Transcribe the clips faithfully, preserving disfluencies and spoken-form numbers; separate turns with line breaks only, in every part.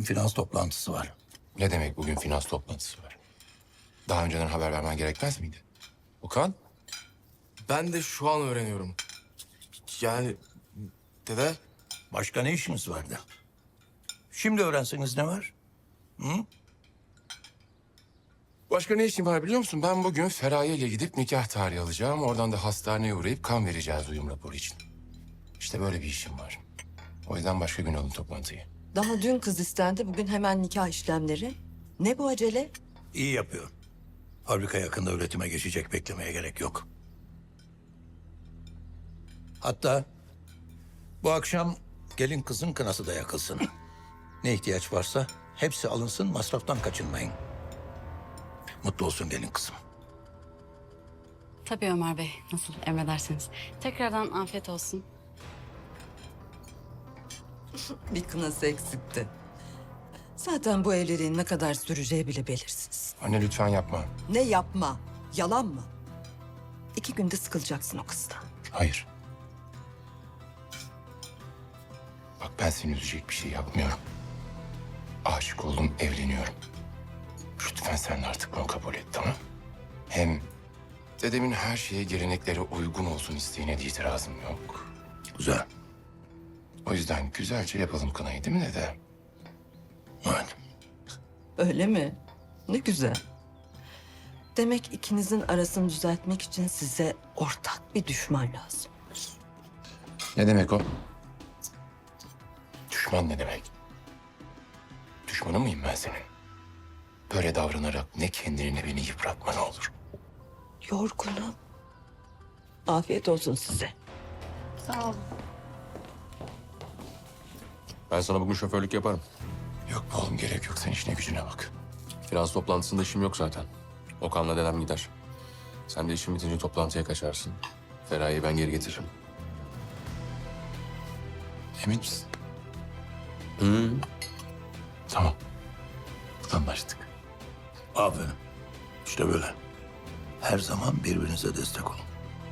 bugün finans toplantısı var.
Ne demek bugün finans toplantısı var? Daha önceden haber vermen gerekmez miydi? Okan?
Ben de şu an öğreniyorum. Yani dede
Başka ne işiniz vardı? Şimdi öğrenseniz ne var?
Başka ne işim var biliyor musun? Ben bugün Feraye ile gidip nikah tarihi alacağım. Oradan da hastaneye uğrayıp kan vereceğiz uyum raporu için. İşte böyle bir işim var. O yüzden başka gün alın toplantıyı.
Daha dün kız istendi, bugün hemen nikah işlemleri. Ne bu acele?
İyi yapıyor. Fabrika yakında üretime geçecek, beklemeye gerek yok. Hatta bu akşam gelin kızın kınası da yakılsın. Ne ihtiyaç varsa hepsi alınsın, masraftan kaçınmayın. Mutlu olsun gelin kızım.
Tabii Ömer Bey, nasıl emredersiniz. Tekrardan afiyet olsun.
Bir kınası eksikti. Zaten bu evliliğin ne kadar süreceği bile belirsiz.
Anne lütfen yapma.
Ne yapma? Yalan mı? İki günde sıkılacaksın o kızdan.
Hayır. Bak ben seni üzecek bir şey yapmıyorum. Aşık oldum, evleniyorum. Lütfen sen de artık bunu kabul et, tamam? Hem dedemin her şeye geleneklere uygun olsun isteğine de itirazım yok.
Güzel.
O yüzden güzelce yapalım kınayı değil mi dede?
Evet.
Öyle mi? Ne güzel. Demek ikinizin arasını düzeltmek için size ortak bir düşman lazım.
Ne demek o? Düşman ne demek? Düşmanı mıyım ben senin? Böyle davranarak ne kendini ne beni yıpratma ne olur.
Yorgunum. Afiyet olsun size.
Sağ olun.
Ben sana bugün şoförlük yaparım.
Yok be oğlum gerek yok, sen işine gücüne bak.
Finans toplantısında işim yok zaten. Okan'la dedem gider. Sen de işin bitince toplantıya kaçarsın. Feraye'yi ben geri getiririm.
Emin misin?
Hı.
Tamam. Anlaştık.
Aferin. İşte böyle. Her zaman birbirinize destek olun.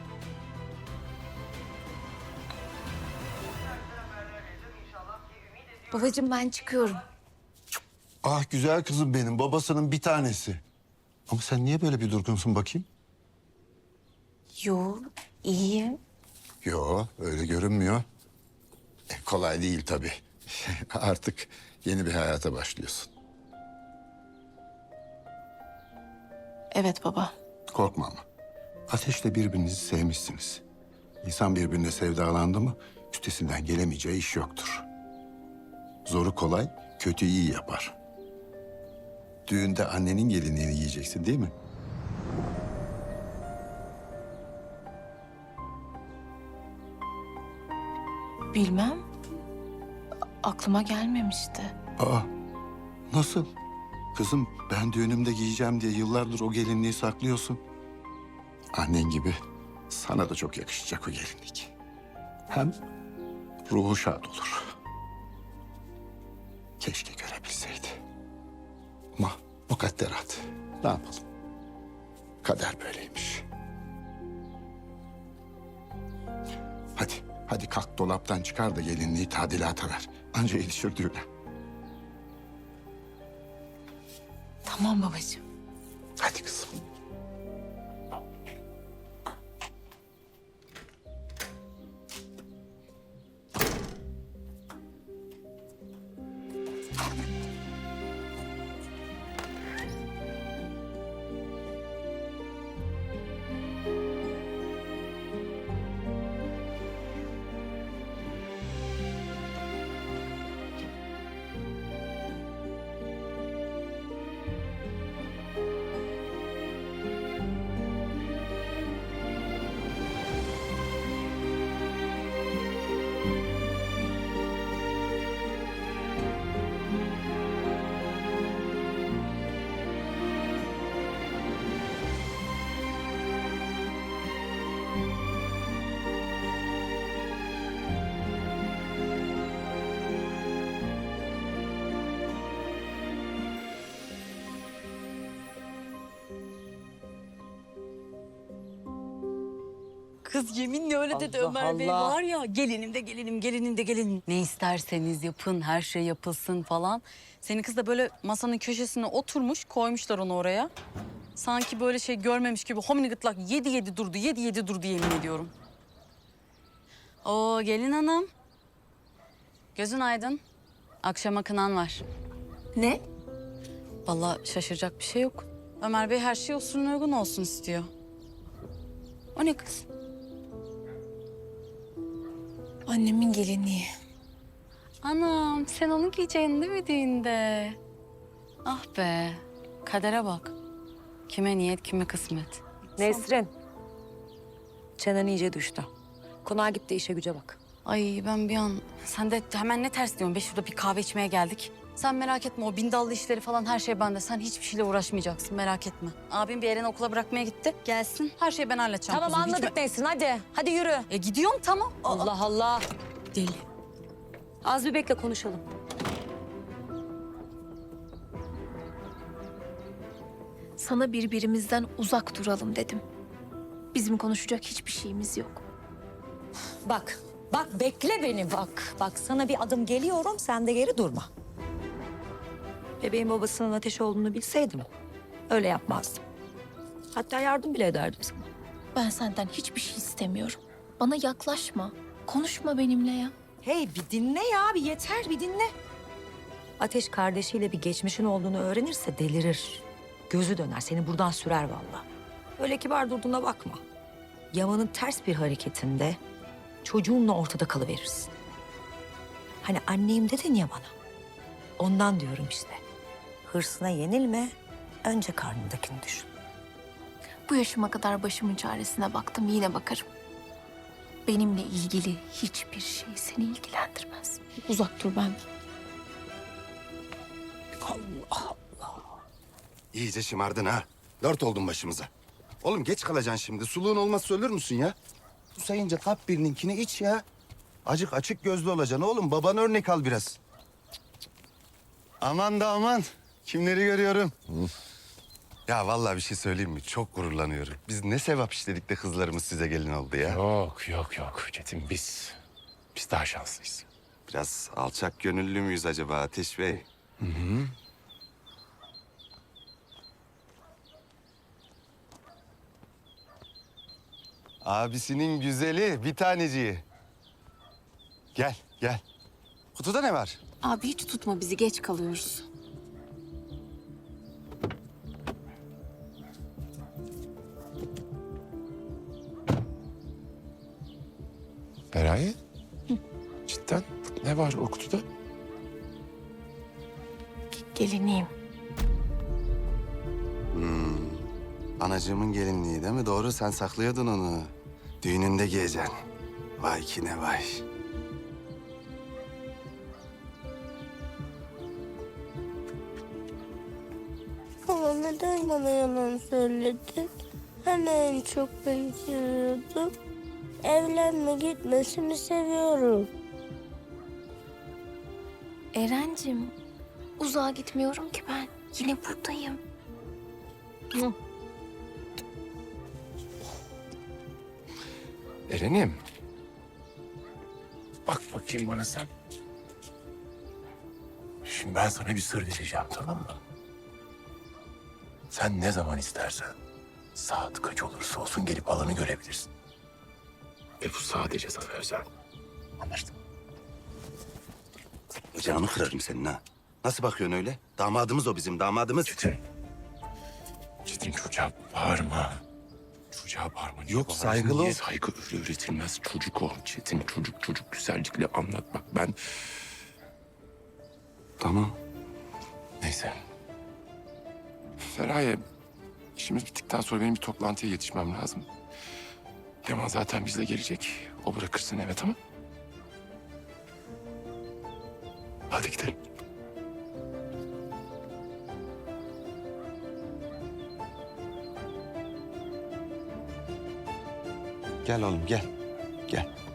Babacığım ben çıkıyorum.
Ah güzel kızım benim, babasının bir tanesi. Ama sen niye böyle bir durgunsun bakayım?
Yo, iyiyim.
Yo, öyle görünmüyor. E, kolay değil tabii. Artık yeni bir hayata başlıyorsun.
Evet baba.
Korkma ama. Ateşle birbirinizi sevmişsiniz. İnsan birbirine sevdalandı mı üstesinden gelemeyeceği iş yoktur. Zoru kolay, kötü iyi yapar. Düğünde annenin gelinliğini giyeceksin değil mi?
Bilmem. Aklıma gelmemişti.
Aa, nasıl? Kızım ben düğünümde giyeceğim diye yıllardır o gelinliği saklıyorsun. Annen gibi sana da çok yakışacak o gelinlik. Hem ruhu şad olur. Keşke görebilseydi. Ama mukadderat. Ne yapalım? Kader böyleymiş. Hadi, hadi kalk dolaptan çıkar da gelinliği tadilata ver. Anca yetişir düğüne.
Tamam babacığım.
Hadi kızım.
Kız yeminle öyle dedi
Allah
Ömer Bey
Allah.
var ya. Gelinim de gelinim, gelinim de gelinim. Ne isterseniz yapın, her şey yapılsın falan. Senin kız da böyle masanın köşesine oturmuş, koymuşlar onu oraya. Sanki böyle şey görmemiş gibi homini gıtlak yedi yedi durdu, yedi yedi durdu yemin ediyorum. Oo gelin hanım. Gözün aydın. Akşama kınan var.
Ne?
Vallahi şaşıracak bir şey yok. Ömer Bey her şey usulüne uygun olsun istiyor. O ne kız?
Annemin gelinliği.
Anam sen onu giyeceksin değil mi düğünde? Ah be kadere bak. Kime niyet kime kısmet.
Nesrin. Çenen iyice düştü. Konağa git de işe güce bak.
Ay ben bir an sen de hemen ne ters diyorsun be şurada bir kahve içmeye geldik. Sen merak etme o bindallı işleri falan her şey bende. Sen hiçbir şeyle uğraşmayacaksın merak etme. Abim bir Eren'i okula bırakmaya gitti. Gelsin her şeyi ben halledeceğim.
Tamam
kuzum. Hiç
anladık
me-
Nesrin hadi. Hadi yürü.
E gidiyorum tamam. Aa,
Allah Allah.
Deli.
Az bir bekle konuşalım.
Sana birbirimizden uzak duralım dedim. Bizim konuşacak hiçbir şeyimiz yok.
Bak. Bak bekle beni bak. Bak sana bir adım geliyorum sen de geri durma. Bebeğin babasının ateş olduğunu bilseydim öyle yapmazdım. Hatta yardım bile ederdim sana.
Ben senden hiçbir şey istemiyorum. Bana yaklaşma. Konuşma benimle ya.
Hey bir dinle ya bir yeter bir dinle. Ateş kardeşiyle bir geçmişin olduğunu öğrenirse delirir. Gözü döner seni buradan sürer vallahi. Öyle kibar durduğuna bakma. Yaman'ın ters bir hareketinde çocuğunla ortada kalıverirsin. Hani anneyim dedin ya bana. Ondan diyorum işte. Hırsına yenilme, önce karnındakini düşün.
Bu yaşıma kadar başımın çaresine baktım, yine bakarım. Benimle ilgili hiçbir şey seni ilgilendirmez. Uzak dur benden.
İyice şımardın ha. Dört oldun başımıza. Oğlum geç kalacaksın şimdi. Suluğun olmazsa ölür müsün ya? Bu sayınca kap birininkini iç ya. Acık açık gözlü olacaksın oğlum. Babana örnek al biraz. Aman da aman. Kimleri görüyorum. Ya vallahi bir şey söyleyeyim mi? Çok gururlanıyorum. Biz ne sevap işledik de kızlarımız size gelin oldu ya.
Yok yok yok Çetin biz. Biz daha şanslıyız.
Biraz alçak gönüllü müyüz acaba Ateş Bey? Abisinin güzeli, bir taneciği. Gel, gel. Kutuda ne var?
Abi hiç tutma bizi, geç kalıyoruz.
Feraye. Cidden ne var o kutuda?
Gelinliğim.
Anacığımın gelinliği değil mi? Doğru, sen saklıyordun onu. Düğününde giyeceksin. Vay ki ne vay.
Ama neden bana yalan söyledin? Hani en çok beni seviyordun? Evlenme gitmesini seviyorum.
Erencim, uzağa gitmiyorum ki ben. Yine buradayım.
Eren'im. Bak bakayım bana sen. Şimdi ben sana bir sır vereceğim tamam mı? Sen ne zaman istersen saat kaç olursa olsun gelip alanı görebilirsin. Ve bu sadece sana özel. Anlaştık mı?
Bacağını kırarım senin ha. Nasıl bakıyorsun öyle? Damadımız o bizim, damadımız.
Çetin. Çetin çocuğa bağırma. Çocuğa bağırma. Niye
Yok,
bağırırsın?
saygılı
Niye
ol.
saygı öyle üretilmez? Çocuk o. Çetin çocuk çocuk güzellikle anlat. Bak ben...
Tamam.
Neyse. Feraye, işimiz bittikten sonra benim bir toplantıya yetişmem lazım. Yaman zaten bizle gelecek. O bırakırsın eve tamam. Hadi gidelim.
Gel oğlum, gel. Gel.